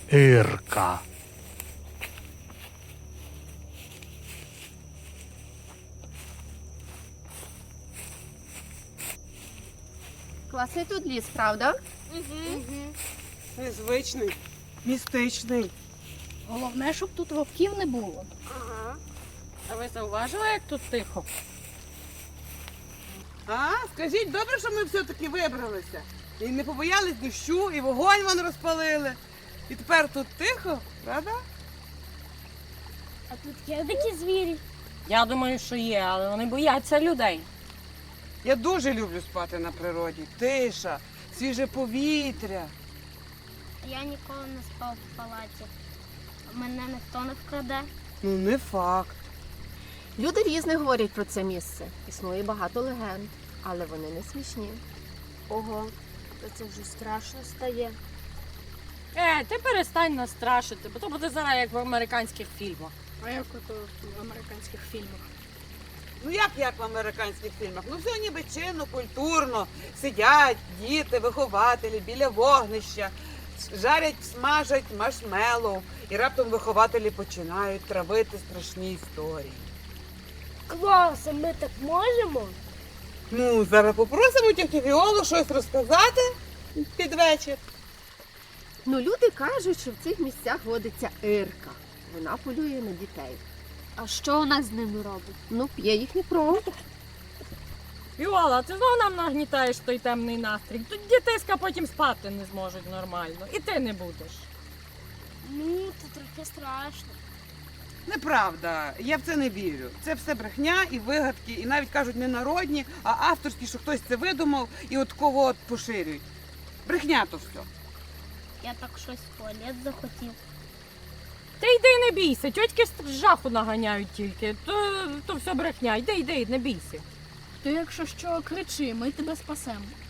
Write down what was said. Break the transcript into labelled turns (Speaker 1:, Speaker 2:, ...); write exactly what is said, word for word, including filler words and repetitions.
Speaker 1: Ірка.
Speaker 2: Класний тут ліс, правда?
Speaker 3: Незвичний, містичний.
Speaker 4: Головне, щоб тут вовків не було.
Speaker 3: Ага.
Speaker 5: А ви зауважили, як тут тихо?
Speaker 3: А, скажіть, добре, що ми все-таки вибралися. І не побоялись дощу, і вогонь вон розпалили. І тепер тут тихо, правда?
Speaker 4: А тут є дикі звірі.
Speaker 5: Я думаю, що є, але вони бояться людей.
Speaker 3: Я дуже люблю спати на природі. Тиша, свіже повітря.
Speaker 4: Я ніколи не спав в палаті. Мене ніхто не вкраде.
Speaker 3: Ну, не факт.
Speaker 2: Люди різне говорять про це місце. Існує багато легенд, але вони не смішні.
Speaker 4: Ого, то це вже страшно стає.
Speaker 5: Е, ти перестань нас страшити, бо то буде зараз як в американських фільмах.
Speaker 4: А як ото в американських фільмах?
Speaker 3: Ну як як в американських фільмах? Ну все ніби чинно, культурно. Сидять діти, вихователі біля вогнища, жарять, смажать маршмеллоу. І раптом вихователі починають травити страшні історії.
Speaker 4: Клас, а ми так можемо?
Speaker 3: Ну, зараз попросимо тітю Віолу щось розказати під вечір.
Speaker 2: Ну, люди кажуть, що в цих місцях водиться Ірка. Вона полює на дітей.
Speaker 4: А що вона з ними робить?
Speaker 2: Ну, п'є їхню кров.
Speaker 5: Віола, ти знову нам нагнітаєш той темний настрій. Тут дітиська потім спати не зможуть нормально. І ти не будеш.
Speaker 4: Ну, це трохи страшно.
Speaker 3: Неправда, я в це не вірю. Це все брехня і вигадки, і навіть кажуть не народні, а авторські, що хтось це видумав і от кого от поширюють. Брехня то все.
Speaker 4: Я так щось в туалет захотів.
Speaker 5: Ти йди, не бійся, тьотьки з жаху наганяють тільки. То, то все брехня. Йди, йди, не бійся.
Speaker 4: Ти, якщо що, кричи, ми тебе спасемо.